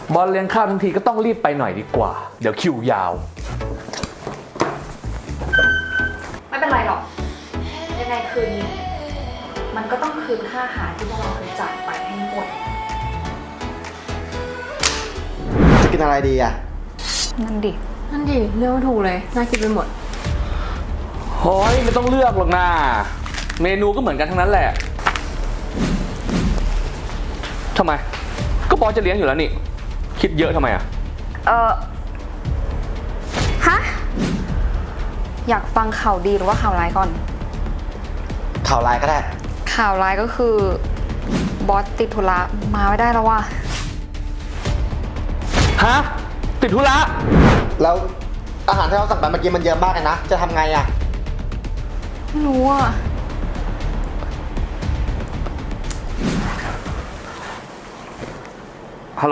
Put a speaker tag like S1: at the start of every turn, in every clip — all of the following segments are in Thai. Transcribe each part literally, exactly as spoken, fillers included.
S1: บอลเลี้ยงข้าวทั้งทีก็ต้องรีบไปหน่อยดีกว่าเดี๋ยวคิวยาว
S2: ไม่เป็นไรหรอกยังไงคืนนี้มันก็ต้องคืนค่าอาหารที่พวกเราเคยจ่ายไปให้หมด
S3: จะกินอะไรดีอ่ะ
S2: นั่นดินั่นดิเลือกไม่ถูกเลยน่ากินไปหมด
S1: โอ้ยไม่ต้องเลือกหรอกนะเมนูก็เหมือนกันทั้งนั้นแหละทำไมก็บอสจะเลี้ยงอยู่แล้วนี่คิดเยอะทำไมอ่ะ
S2: เออฮะอยากฟังข่าวดีหรือว่าข่าวร้ายก่อน
S3: ข่าวร้ายก็ได้
S2: ข่าวร้ายก็คือบอสติดธุระมาไม่ได้แล้วว่ะ
S1: ฮะติดธุระ
S3: แล้วอาหารที่เราสั่งไปเมื่อกี้มันเยอะมากเลยนะจะทำไงอ่ะ
S2: ไม่รู้อ่ะ
S1: ฮัลโหล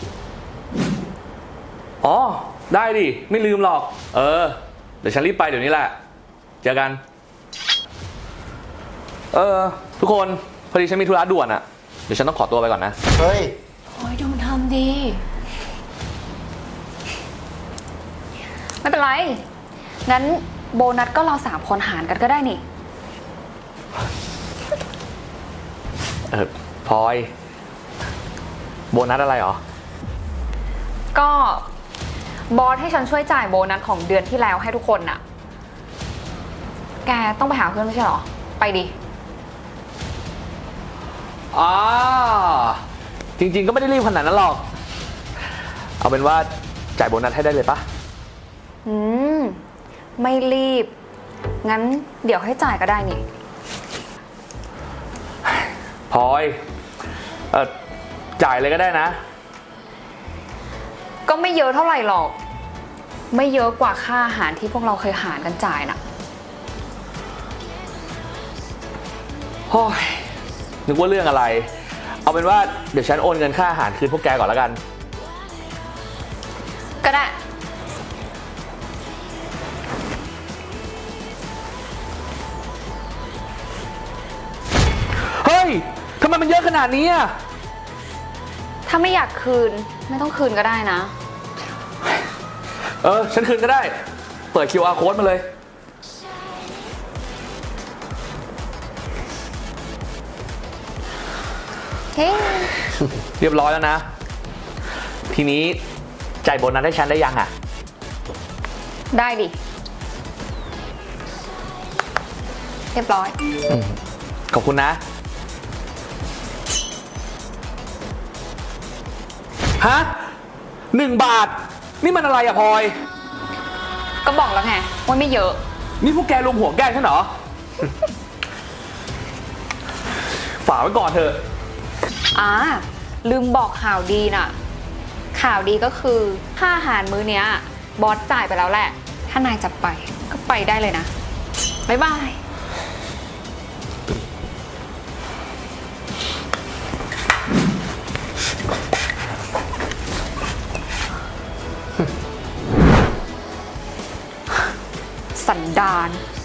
S1: อ๋อได้ดิไม่ลืมหรอกเออเดี๋ยวฉันรีบไปเดี๋ยวนี้แหละเจอกันเออทุกคนพอดีฉันมีธุระด่วนอะเดี๋ยวฉันต้องขอตัวไปก่อนนะ
S3: เฮ้ย
S2: โอ้ยดูมันทำดีไม่เป็นไรงั้นโบนัสก็เราสามคนหารกันก็ได้นี่
S1: เออพลอยโบนัสอะไรหรอ
S2: ก็บอสให้ฉันช่วยจ่ายโบนัสของเดือนที่แล้วให้ทุกคนน่ะแกต้องไปหาเพื่อนไม่ใช่หรอไปดิ
S1: อ๋อจริงๆก็ไม่ได้รีบขนาดนั้นหรอกเอาเป็นว่าจ่ายโบนัสให้ได้เลยปะ
S2: อืมไม่รีบงั้นเดี๋ยวให้จ่ายก็ได้นี่
S1: พลอยเออจ่ายเลยก็ได้นะ
S2: ก็ไม่เยอะเท่าไหร่หรอกไม่เยอะกว่าค่าอาหารที่พวกเราเคยหารกันจ่ายน่ะ
S1: โอ้ยนึกว่าเรื่องอะไรเอาเป็นว่าเดี๋ยวฉันโอนเงินค่าอาหารคืนพวกแกก่อนแล้วกัน
S2: ก็ได้
S1: เฮ้ยทำไมมันเยอะขนาดนี้อ่ะ
S2: ถ้าไม่อยากคืนไม่ต้องคืนก็ได้นะ
S1: เออฉันคืนก็ได้เปิด คิว อาร์ Code มาเลย
S2: เฮ้
S1: เรียบร้อยแล้วนะทีนี้จ่ายโบนัสให้ฉันได้ยังอ่ะ
S2: ได้ดิเรียบร้อย
S1: ขอบคุณนะฮะหนึ่งบาทนี่มันอะไรอะพลอย
S2: ก็บอกแล้วไงว่าไม่เยอะ
S1: นี่พวกแกรวมหัวแกล้งฉันเหรอ ฝากไว้ก่อนเถอะ
S2: อ่าลืมบอกข่าวดีน่ะข่าวดีก็คือค่าอาหารมื้อเนี้ยบอสจ่ายไปแล้วแหละถ้านายจะไปก็ไปได้เลยนะบ๊ายบายสันดาน